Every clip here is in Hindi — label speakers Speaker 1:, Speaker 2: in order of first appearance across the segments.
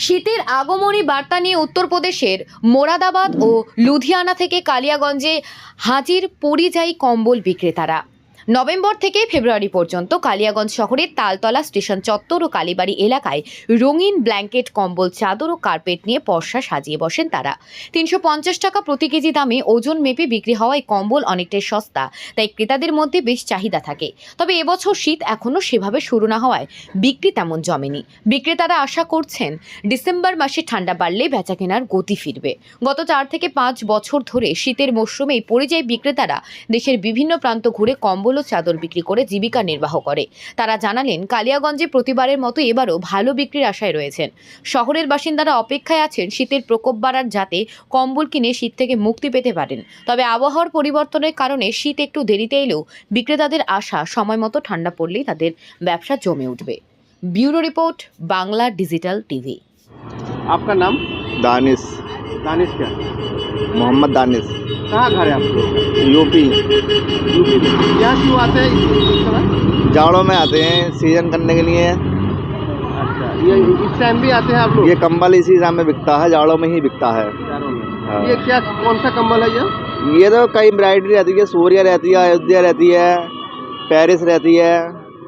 Speaker 1: শীতের আগমনী বার্তা নিয়ে উত্তরপ্রদেশের মোরাদাবাদ ও লুধিয়ানা থেকে কালিয়াগঞ্জে হাজির পরিযায়ী কম্বল বিক্রেতারা। নভেম্বর থেকে ফেব্রুয়ারি পর্যন্ত কালিয়াগঞ্জ শহরের তালতলা স্টেশন চত্বর ও কালীবাড়ি এলাকায় রঙিন ব্ল্যাঙ্কেট, কম্বল, চাদর ও কার্পেট নিয়ে পসরা সাজিয়ে বসেন তারা। 350 টাকা প্রতি কেজি দামে ওজন মেপে বিক্রি হওয়ায় কম্বল অনেকটাই সস্তা, তাই ক্রেতাদের মধ্যে বেশ চাহিদা থাকে। তবে এবছর শীত এখনও সেভাবে শুরু না হওয়ায় বিক্রি তেমন জমেনি। বিক্রেতারা আশা করছেন ডিসেম্বর মাসে ঠান্ডা বাড়লে বেচাকেনার গতি ফিরবে। গত 4 থেকে 5 বছর ধরে শীতের মরশুমে পরিযায়ী বিক্রেতারা দেশের বিভিন্ন প্রান্ত ঘুরে কম্বল ও চাদর বিক্রি করে জীবিকা নির্বাহ করে। তারা জানালেন, কালিয়াগঞ্জে প্রতিবারের মতো এবারও ভালো বিক্রির আশায় রয়েছেন। শহরের বাসিন্দারা অপেক্ষায় আছেন শীতের প্রকোপ বাড়ার, যাতে কম্বল কিনে শীত থেকে মুক্তি পেতে পারেন। তবে আবহাওয়ার পরিবর্তনের কারণে শীত একটু দেরিতে এলেও বিক্রেতাদের আশা সময় মতো ঠান্ডা পড়লেই তাদের ব্যবসা জমে उठবে। Bureau report, Bangla digital TV.
Speaker 2: आपका नाम?
Speaker 3: दानिश।
Speaker 2: दानिश क्या?
Speaker 3: मोहम्मद दानिश।
Speaker 2: कहाँ घर है आपको?
Speaker 3: यूपी।
Speaker 2: यूपी में। यहाँ क्यों आते हैं इस समय?
Speaker 3: जाड़ों में आते हैं सीजन करने के लिए।
Speaker 2: अच्छा, ये इस टाइम भी आते हैं आप लोग?
Speaker 3: ये कंबल इसी टाइम में बिकता है, जाड़ों में ही बिकता है।
Speaker 2: जाड़ों में।
Speaker 3: हाँ।
Speaker 2: ये क्या, कौन सा कंबल है
Speaker 3: ये तो कई वैरायटी रहती है, सूर्या रहती है, अयोध्या रहती है, पेरिस रहती है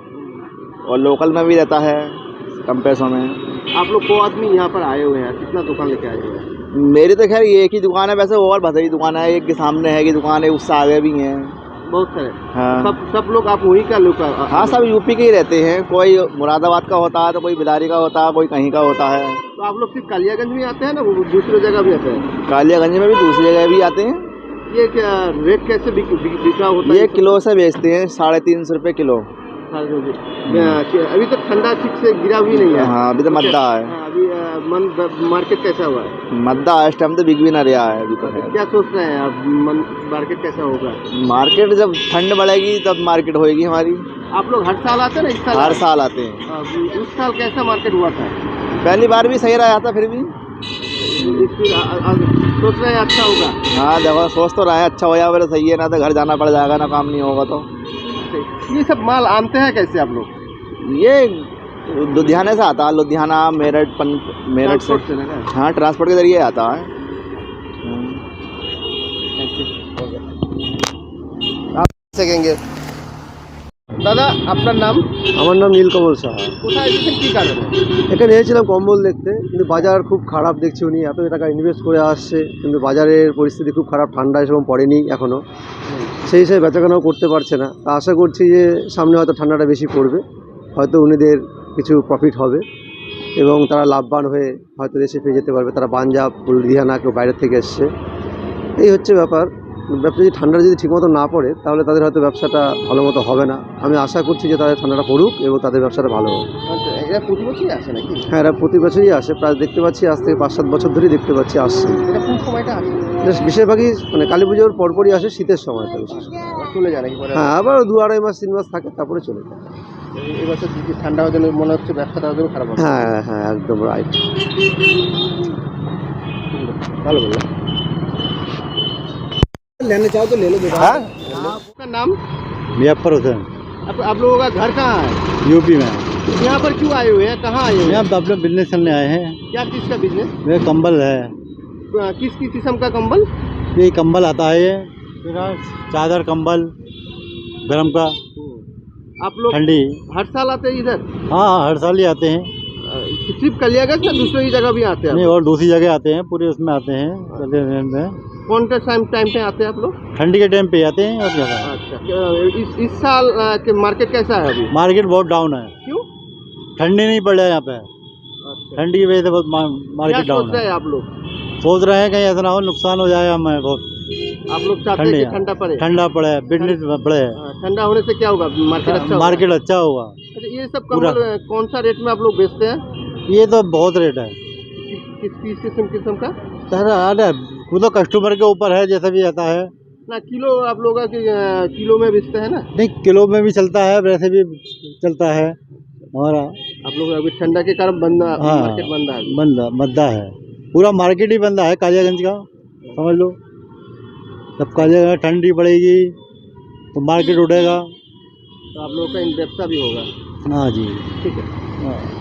Speaker 3: और लोकल में भी रहता है कम पैसों में।
Speaker 2: आप लोग को आदमी यहाँ पर आए हुए हैं, कितना दुकान लेके आए हुए हैं?
Speaker 3: मेरी तो खैर एक ही दुकान है, वैसे और भसई दुकान है, एक के सामने है की दुकान है, उससे आगे भी हैं
Speaker 2: बहुत सारे।
Speaker 3: हाँ।
Speaker 2: सब लोग आप वहीं का लोग?
Speaker 3: हाँ, सब यूपी के ही रहते हैं। कोई मुरादाबाद का होता है, तो कोई बिलारी का होता है, कोई कहीं का होता है।
Speaker 2: तो आप लोग सिर्फ कालियागंज में आते हैं ना, वो दूसरी जगह भी आते हैं?
Speaker 3: कालियागंज में भी दूसरी जगह भी आते हैं।
Speaker 2: ये क्या रेट कैसे बिका होता है?
Speaker 3: ये किलो से बेचते हैं, 350 रुपये किलो।
Speaker 2: अभी तक ठंडा ठीक से गिरा भी नहीं है।
Speaker 3: हाँ, अभी तो मद्दा है।
Speaker 2: अभी मार्केट कैसा हुआ है?
Speaker 3: मद्दा इस टाइम तो बिक भी ना रहा है अभी तो।
Speaker 2: क्या सोच रहे हैं आप, मार्केट कैसा होगा?
Speaker 3: मार्केट जब ठंड बढ़ेगी तब मार्केट होएगी हमारी।
Speaker 2: आप लोग हर साल आते हैं ना? इस साल?
Speaker 3: हर साल आते हैं।
Speaker 2: उस साल कैसा मार्केट हुआ था?
Speaker 3: पहली बार भी सही रहा था, फिर भी
Speaker 2: सोच रहे हैं अच्छा होगा?
Speaker 3: हाँ, देखो सोच तो रहे हैं अच्छा हो जाए, फिर सही है, ना तो घर जाना पड़ जाएगा, ना काम नहीं होगा। तो
Speaker 2: ये सब माल आनते हैं कैसे आप लोग?
Speaker 3: ये लुधियाना से आता है, लुधियाना, मेरठ, मेरठ से। हाँ, ट्रांसपोर्ट के जरिए आता है।
Speaker 2: आप सकेंगे দাদা, আপনার নাম?
Speaker 4: আমার নাম নীলকমল সাহা।
Speaker 2: কোথায় এসেছেন, কি কারণে?
Speaker 4: এখানে এসেছিলাম কম্বল দেখতে, কিন্তু বাজার খুব খারাপ দেখছি। উনি এত টাকা ইনভেস্ট করে আসছে, কিন্তু বাজারের পরিস্থিতি খুব খারাপ, ঠান্ডা এসব পড়েনি এখনও, সেই হিসেবে বেচাকেনাও করতে পারছে না। তা আশা করছি যে সামনে হয়তো ঠান্ডাটা বেশি পড়বে, হয়তো উনিদের কিছু প্রফিট হবে এবং তারা লাভবান হয়ে হয়তো দেশে ফিরে যেতে পারবে। তারা পাঞ্জাব, লুধিয়ানা, কেউ বাইরের থেকে এসছে, এই হচ্ছে ব্যাপার। ব্যবসা যদি ঠান্ডা যদি ঠিকমতো না পড়ে, তাহলে তাদের হয়তো ব্যবসাটা ভালো মতো হবে না। আমি আশা করছি যে তাদের ঠান্ডাটা পড়ুক এবং তাদের ব্যবসাটা ভালো হবে।
Speaker 2: এরা প্রতি বছরই আসে নাকি?
Speaker 4: হ্যাঁ, এরা প্রতি বছরই আসে, প্রায় দেখতে পাচ্ছি আজ থেকে 5-7 বছর ধরেই দেখতে পাচ্ছি আসছে।
Speaker 2: এটা কোন সময়টা আসে?
Speaker 4: বেশিরভাগই মানে কালী পুজোর পরপরই আসে, শীতের সময়টা বিশেষ করে।
Speaker 2: চলে যায় নাকি পরে?
Speaker 4: হ্যাঁ, আবার 2-2.5 মাস 3 মাস থাকে, তারপরে চলে যায়।
Speaker 2: এবছর ঠান্ডা হওয়ার জন্য মনে হচ্ছে ব্যবসাটা ওদের খারাপ হবে।
Speaker 4: হ্যাঁ হ্যাঁ, একদম রাইট,
Speaker 2: ভালো বললো। लेने चाहो तो ले लो बेटा।
Speaker 3: हाँ?
Speaker 2: आपका नाम?
Speaker 3: मुजफ्फर हुसैन।
Speaker 2: आप लोगों का घर कहाँ है?
Speaker 3: यूपी में।
Speaker 2: यहाँ पर क्यों आए हुए हैं, कहाँ आए हुए हैं?
Speaker 3: यहाँ अपने बिजनेस करने आए हैं।
Speaker 2: क्या चीज़ का बिजनेस?
Speaker 3: ये कंबल है।
Speaker 2: किस किस्म का कंबल?
Speaker 3: ये कंबल आता है, ये चादर, कंबल गरम का,
Speaker 2: आप लोग
Speaker 3: ठंडी।
Speaker 2: हर साल आते हैं इधर?
Speaker 3: हाँ, हर साल ही आते हैं।
Speaker 2: सिर्फ कलियागंज या दूसरी जगह भी आते हैं?
Speaker 3: नहीं, और दूसरी जगह आते हैं, पूरे उसमें आते हैं।
Speaker 2: कौन सा टाइम पे आते हैं आप लोग?
Speaker 3: ठंडी के टाइम पे आते हैं और ज़्यादा।
Speaker 2: अच्छा, इस साल के मार्केट कैसा है अभी?
Speaker 3: मार्केट बहुत डाउन है।
Speaker 2: क्यों?
Speaker 3: ठंडी नहीं पड़ रहा है यहाँ पे।
Speaker 2: अच्छा,
Speaker 3: ठंडी की वजह से बहुत मार्केट
Speaker 2: क्या
Speaker 3: डाउन
Speaker 2: सोच रहे
Speaker 3: है।
Speaker 2: हैं आप लोग?
Speaker 3: सोच रहे हैं कहीं ऐसा ना हो नुकसान हो जाए हमें बहुत।
Speaker 2: आप लोग चाहते हैं कि ठंडा पड़े?
Speaker 3: ठंडा पड़े, बिजनेस बढ़े,
Speaker 2: ठंडा होने से क्या होगा, मार्केट अच्छा होगा?
Speaker 3: मार्केट अच्छा होगा।
Speaker 2: अच्छा, ये सब कंबल कौन सा रेट में आप लोग बेचते हैं?
Speaker 3: ये तो बहुत रेट है।
Speaker 2: किस किस्म का?
Speaker 3: अरे वो तो कस्टमर के ऊपर है, जैसा भी आता है
Speaker 2: ना। किलो आप लोग किलो में बेचते हैं ना?
Speaker 3: नहीं, किलो में भी चलता है, वैसे भी चलता है हमारा।
Speaker 2: आप लोग अभी ठंडा के कारण बंदा,
Speaker 3: हाँ,
Speaker 2: मार्केट बंदा है।
Speaker 3: मद्दा है, पूरा मार्केट ही बंदा है कालियागंज का, समझ लो। जब कालियागंज ठंडी पड़ेगी तो मार्केट उठेगा।
Speaker 2: तो आप लोगों का व्यवसाय भी होगा।
Speaker 3: हाँ जी,
Speaker 2: ठीक है।
Speaker 3: हाँ।